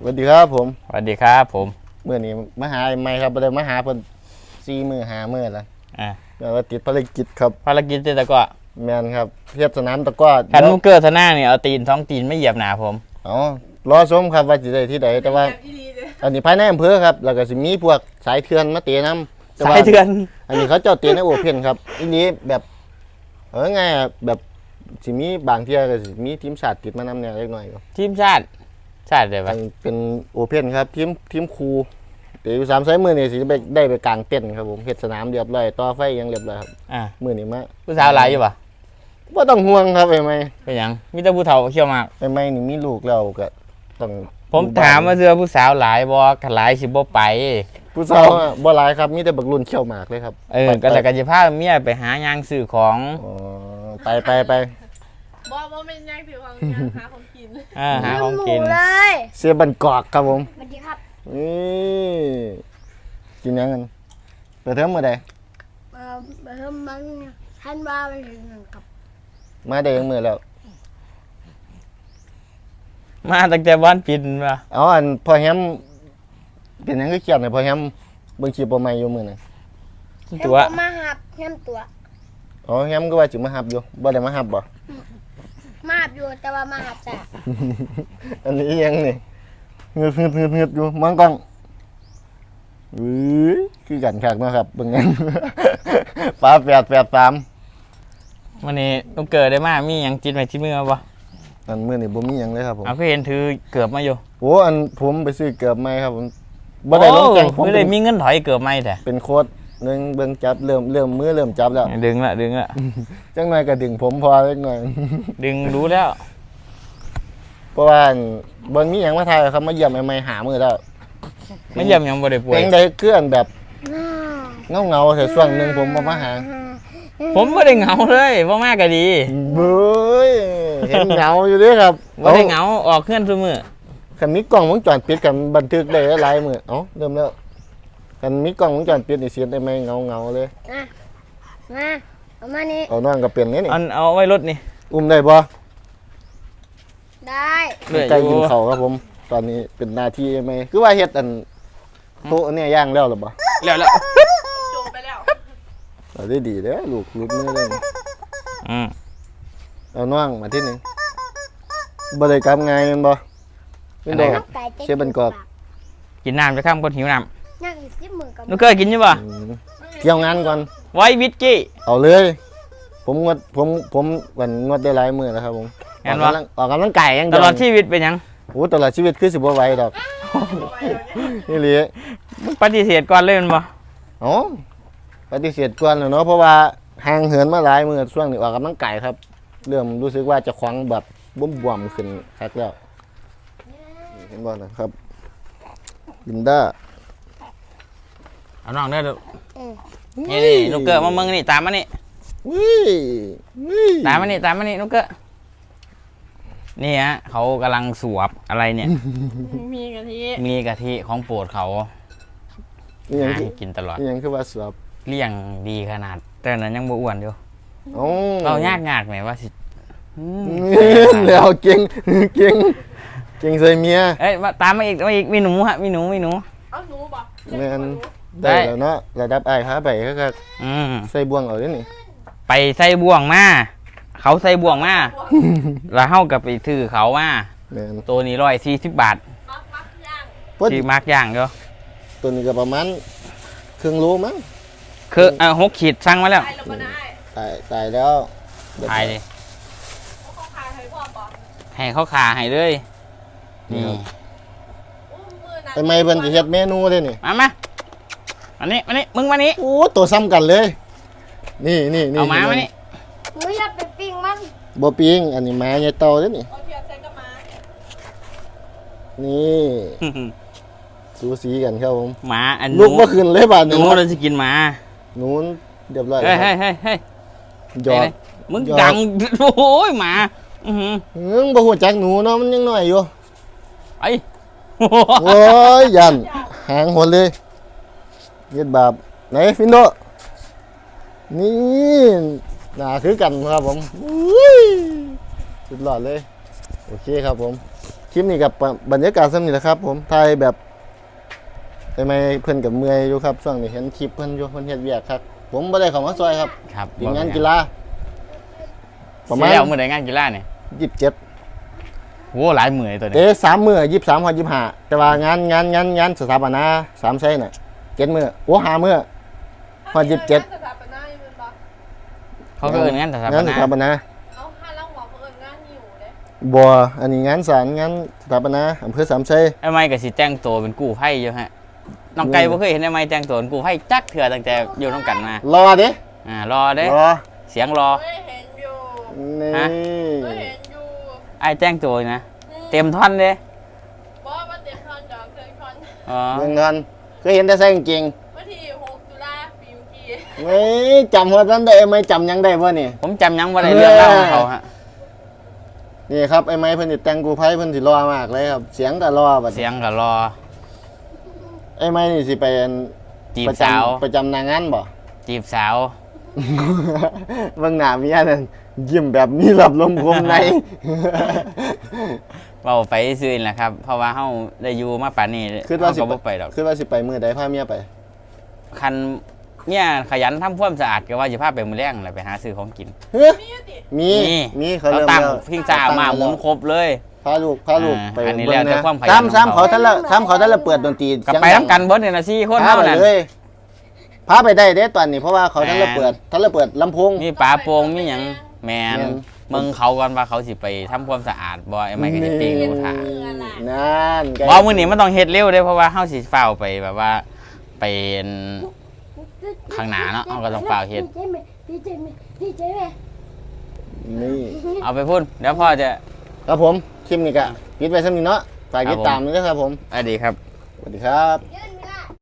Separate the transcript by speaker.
Speaker 1: วัสดีครับผม
Speaker 2: สวัสดีครับผม
Speaker 1: เมื่อนี้มาหาไม่ครับบ่ได้มาหาเพิ่น4 มื้อ5 มื้อแล้วแต่ว่าติดภารกิจครับ
Speaker 2: ภารกิจแต่ก็
Speaker 1: แม่นครับเฮ็ดสนามตะกร้อ
Speaker 2: คันมุกเกอร์ทนาเนี่ยเอาตีน2 ตีนไม่เหยียบหนาผม
Speaker 1: อ๋อรอชมครับว่าสิได้ที่ใดแต่ว่าอันนี้ภายในอำเภอครับแล้วก็สิมีพวกสายเถื่อนมาเตะน้ำ
Speaker 2: สายเถื่อน
Speaker 1: อันนี้เขาเจ้าเตะในโอเพ่นครับอันนี้แบบไงแบบสิมีบางเที่ยก็สิมีทีมชาติติดมานำแนวเล็กน้อยก็
Speaker 2: ทีมชาติได้ปะ
Speaker 1: เป็นโอเพ่นครับทีมครูเดี๋ยว3 สายมื้อนี่สิได้ไปกลางเต้นครับผมเฮ็ดสนามเรียบร้อยต่อไฟยังเรียบร้อยครับมื้อนี้มา
Speaker 2: ผู้สาวหลายอยู่ปะ
Speaker 1: บ่ต้องห่วงครับไอ้ไม้
Speaker 2: เป็นหยังมีแต่ผู้เฒ่าเขี้ยวมาก
Speaker 1: ไอ้ไม้นี่มีลูกแล้วก็ต้อง
Speaker 2: ผมถามว่าเสื้อผู้สาวหลายบ่คันหลายสิบ่ไป
Speaker 1: ผู้สาวบ่หลายครับมีแต่บักรุ่นเขี้ยวหมากเลยครับ
Speaker 2: ก็แล้วก็สิพาเมียไปหายางซื้อของ
Speaker 1: ไป
Speaker 3: บ่เป็นย่างถือของย่างหาของกิน
Speaker 2: หาของกิน
Speaker 1: เสียบันกอกครับผม
Speaker 3: สวัสดีครับ
Speaker 1: กินยังกันไปเทิมมื้อใด
Speaker 3: ไปเทิมมันท่านว่าไปถึงกับ
Speaker 1: มาได้ยังมื้อแล้ว
Speaker 2: มาตั้งแต่วันปิดมา
Speaker 1: อันพอแฮมเป็นหยังคือเขียนให้พอแฮมเบิ่งคลิปบ่ใหม่อยู่มื้อนั้น
Speaker 2: ตัว
Speaker 3: มาหับแฮมตัว
Speaker 1: แฮมก็ว่าสิมาหับอยู่บ่ได้มาหับบ่
Speaker 3: มาหับอยู่แต่ว่ามาหับจ้ะ
Speaker 1: อันนี้ยังนี่เงืดอยู่มองกล้องคือกันคักเนาะครับเบิ่งยังฟ้า883
Speaker 2: วันนี้ลูกเกิดได้มามีหยังจิตไว้ที่มือบ่
Speaker 1: อันมื้อนี้บ่มีหยังเลยครับผม
Speaker 2: ก็เห็นถือเกือบมาอยู่
Speaker 1: อันผมไปซื้อเกือบใหม่ครับผมบ่ได้ลงแข่ง
Speaker 2: ผมเลยมีเงินถอยเกือบใหม่แท้
Speaker 1: เป็นโค้ดนึงเบิ่งจับเริ่มมือเริ่มจับแล้ว
Speaker 2: ดึงละ
Speaker 1: จังหน่อยก็ดึงผมพอจังหน่อย
Speaker 2: ดึงรู้แล้ว
Speaker 1: เพราะว่าบ่มีหยังมาถ่ายครับมาเยี่ยมใหม่ๆหามื้อแล้ว
Speaker 2: ไม่เยี่ยมยังบ่ได้ป่วย
Speaker 1: เป็นได้เคลื่อนแบบเงาแต่ช่วงนึงผมบ่มาหา
Speaker 2: ผมบ่ได้เหงาเลยบ่มาก็ดี
Speaker 1: เบ้ยเห็นเหงาอยู่เด้ครับ
Speaker 2: บ่ได้เหงาออกเคลื่อนซุมื้อ
Speaker 1: คันมีกล้องวงจรปิดกันบันทึกได้หลายมื้อเริ่มแล้วคันมีกล้องวงจรปิดนี่เสียได้ไหมเงาเลย
Speaker 3: มาเอามานี่
Speaker 1: เอาน้องก็เปลี่ยนนี่
Speaker 2: เอาไว้รถนี่
Speaker 1: อุ้มได้บ่
Speaker 3: ได้
Speaker 1: ใกล้กินข้าวครับผมตอนนี้เป็นหน้าที่ไหมคือว่าเฮ็ดโต๊ะเนี่ยย่างแล้วหรือบ่
Speaker 2: แล้ว
Speaker 3: โจไปแล้ว
Speaker 1: ได้ดีเด้อลูกมือเลยเอาน้องมาที่นี่บ่ได้กลับง่ายแม่นบ่
Speaker 2: เป็นบ่
Speaker 1: เชฟบันกอก
Speaker 2: กินน้ำจะข้ามคนหิวน้
Speaker 3: ำนั่งอีก10 มื้อกับ
Speaker 2: ลูกเคยกินอยู่บ่
Speaker 1: เกี่ยวงานก่อน
Speaker 2: ไว้วิสกี้
Speaker 1: เอาเลยผมวันงดได้หลายมื้อแล้วครับผมออกกำลังกายอย่างเดียว
Speaker 2: ตลอดชีวิตเป็นหยัง
Speaker 1: ตลอดชีวิตคือสิบ่ไหวดอกนี่เลย
Speaker 2: มึงปฏิเสธก่อนเลยมันบ่
Speaker 1: ปฏิเสธก่อนเนาะเพราะว่าห่างเหินมาหลายมื้อช่วงนี้ออกกำลังกายครับเริ่มรู้สึกว่าจะควังแบบบวมขึ้นคักแล้วเห็นบ่นะครับลินด้า
Speaker 2: เอาน้องเด้อนี่ลูกเกิดมาเมืองนี่ตามมานี่ตามมานี่ลูกเกิดนี่ฮะเขากำลังสวบอะไรเนี่ย
Speaker 3: มี
Speaker 2: กะทิของโปรดเขากินตลอด
Speaker 1: ยังคือว่าสวบ
Speaker 2: เลี้ยงดีขนาดแต่นั้นยังบ่อ้วนอยู่เรายากไหมว่าสิ
Speaker 1: แล้วเก่งใส่เมีย
Speaker 2: ตามมาอีกมีหนูฮะมีหนู
Speaker 3: เอาหนูบ่
Speaker 1: แม่นได้แล้วเนาะระดับไอ้ขาไปก็ใส่บ่วงเอาเด้นี่
Speaker 2: ไปใส่บ่วงมาเขาใส่บ่วงมาแล้วเฮาก็ไปซื้อเขามาตัวนี้140 บาทที่มักย่างเด้อ
Speaker 1: ตัวนี้ก็ประมาณครึ่งโลมั้ง
Speaker 2: คือ6 ขีดสั่งมาแล้ว
Speaker 1: ตายแล้ว
Speaker 2: ตายดิให้เขาขาให้เลยนี่
Speaker 1: ทำไมเพิ่นจะเฮ็ดเมนูเด้นี่
Speaker 2: มาอันนี้มึงมานี่
Speaker 1: ตัวซ้ำกันเลยนี่
Speaker 2: เอามานี่
Speaker 3: มึงอย่าไปปิ้งมัน
Speaker 1: บ่ปิ้งอันนี้มาใหญ่โตเด้นี่นี่สูสีกันครับผม
Speaker 2: หมาอัน
Speaker 1: ลูกบ่ขึ้นเลยบาด
Speaker 2: นี้เราสิกินหมา
Speaker 1: นู้นเรียบร้อย
Speaker 2: เฮ้ย
Speaker 1: หยอก
Speaker 2: มึงดังโอ้ยหมา
Speaker 1: บ่ฮู้จักหนูเนาะมันยังน้อยอยู่
Speaker 2: ไอ้
Speaker 1: โอ้ยยันหางหดเลยเย็ดบาปไหนฟินโดนี่หน้าคือกันครับผมสุดหล่อเลยโอเคครับผมคลิปนี้กับบรรยากาศซ้ำนี่แหละครับ ผมถ่ายแบบทำไมเพิ่นกับเมื่อยอยู่ครับช่วงนี้เห็นคลิปเพิ่นอยู่เพิ่นเฮ็ดเวียกครับผมบ่ได้เข้ามาซอยครับ
Speaker 2: ครับ
Speaker 1: ยิงงานกีฬาประมา
Speaker 2: เสี
Speaker 1: ณ
Speaker 2: ยแล้วมื้อใดงานกีฬาเนี่ย
Speaker 1: 27
Speaker 2: โหหลายมื้อเลยตัวนี้
Speaker 1: เตะ3มื้อ23ฮอด25แต่ว่างานสถาปนา3ไสน่ะ7มื้อโอ้5มื้อฮอด27
Speaker 4: สถาปนาอยู่เป็นบ่
Speaker 2: เขาก็เอิ้นงานสถาป
Speaker 1: งานส
Speaker 2: นา
Speaker 1: ถาปนา
Speaker 4: เอาห้าลังหัวเขาเอิญงานหิวเลย
Speaker 1: บ่อันนี้งานศาลงานสถาปนาอำเภอสามไส
Speaker 2: ไอ้ไม้ก็สิแต่งตัวเป็นกู้ภัยอยู่ฮะน้องไก่บ่เคยเห็นไอ้ไม้แต่งตัวเป็นกู้ภัยจักเทื่อตั้งแต่อยู่นำกันมาร
Speaker 1: อเด้
Speaker 2: รอเด้
Speaker 1: รอ
Speaker 2: เสียงรอ
Speaker 4: เคยเห็นอยู่
Speaker 1: นี่
Speaker 2: ฮะ
Speaker 4: เคยเห็นอยู่
Speaker 2: ไอ้แต่งตัวนะเต็มท่อนเด้
Speaker 4: บ่ว่าเต็มทอนดอกเต็มทอน
Speaker 2: อ๋อ
Speaker 1: เมืองกันเคยเห็นแต่ใส่กางเกง
Speaker 4: วันที่6 ตุลาปีเมื่อกี้
Speaker 1: เฮ้ยจำหัวนั้นได้ไหมจำยังได้บ่นี่
Speaker 2: ผมจำยังบ่ได้เรื่องเล่าของเขาฮะ
Speaker 1: นี่ครับไอ้ไม้เพิ่นสิแต่งกูไพ่เพิ่นสิรอมากเลยครับ เสียงก็รอบัด
Speaker 2: เสียงก็รอ
Speaker 1: ไอ้ไม้นี่สิไปอัน
Speaker 2: จีบ
Speaker 1: ประ
Speaker 2: สาว
Speaker 1: ประจำนางงานบ่
Speaker 2: จีบสาว
Speaker 1: เบิ่งหน้าเมียนั่นยิ้มแบบนี้รับลมคมใน
Speaker 2: เว้าไปซื่อๆนั่นแหละครับ เพราะว่าเฮาได้อยู่มาป่านนี้
Speaker 1: คือว่า
Speaker 2: เฮา
Speaker 1: สิ
Speaker 2: ก็บ่ไปดอก
Speaker 1: คือว่าสิไปมื้อใดพาเมียไป
Speaker 2: คันเนี่ยขยันทำความสะอาดก็ว่าสิพาไปมื้อแลงแหละไปหาซื้อของกิน
Speaker 1: เฮ้ย
Speaker 4: มีอยู่ติ
Speaker 1: มีเขา
Speaker 2: เรา
Speaker 1: เริ่ม
Speaker 2: ตั้ง
Speaker 1: แล้ว
Speaker 2: พิงซ่ามาหมุนครบเลย
Speaker 1: พาลูกไป
Speaker 2: อันนี้
Speaker 1: เบิ่ง
Speaker 2: แล้วแต่
Speaker 1: นะ
Speaker 2: ความขยัน
Speaker 1: ซ้ำ
Speaker 2: ของเขา
Speaker 1: เขาท่านละเปิดดนตรี
Speaker 2: ก็
Speaker 1: เสียง
Speaker 2: ไป
Speaker 1: ดัง
Speaker 2: นำกันเบิดนี่น่ะ4คน
Speaker 1: พา
Speaker 2: เท่า
Speaker 1: ไป
Speaker 2: นั้น
Speaker 1: เลยพาไปได้เด้ตอนนี้เพราะว่าเขาท่านละเปิดลำโพง
Speaker 2: มีปลาโป่งมีหยังแมน
Speaker 1: แม่น
Speaker 2: มึงเขาก่อนว่าเขาสิไปทำความสะอาดบ่ไอ้ไม่ก็สิปิ้งหมูทะ
Speaker 1: นั่นไง
Speaker 2: บ่มื้อนี้มันต้องเฮ็ดเร็วเด้เพราะว่าเฮาสิฟ้าวไปแบบว่าไปข้างหน้าเนาะเฮาก็ต้องฟ้าวเฮ็ด
Speaker 3: ดีใจไหมดีใจไหม
Speaker 1: นี่
Speaker 2: เอาไปพุ่นเดี๋ยวพ่อจะ
Speaker 1: ครับผมคลิปนี้ก็ปิดไปสักนิดเนาะฝากติด
Speaker 2: ครับผม
Speaker 1: ตามด้วยนะครับผม
Speaker 2: อดีครับ
Speaker 1: สวัสดีครับ
Speaker 3: เดี๋ยว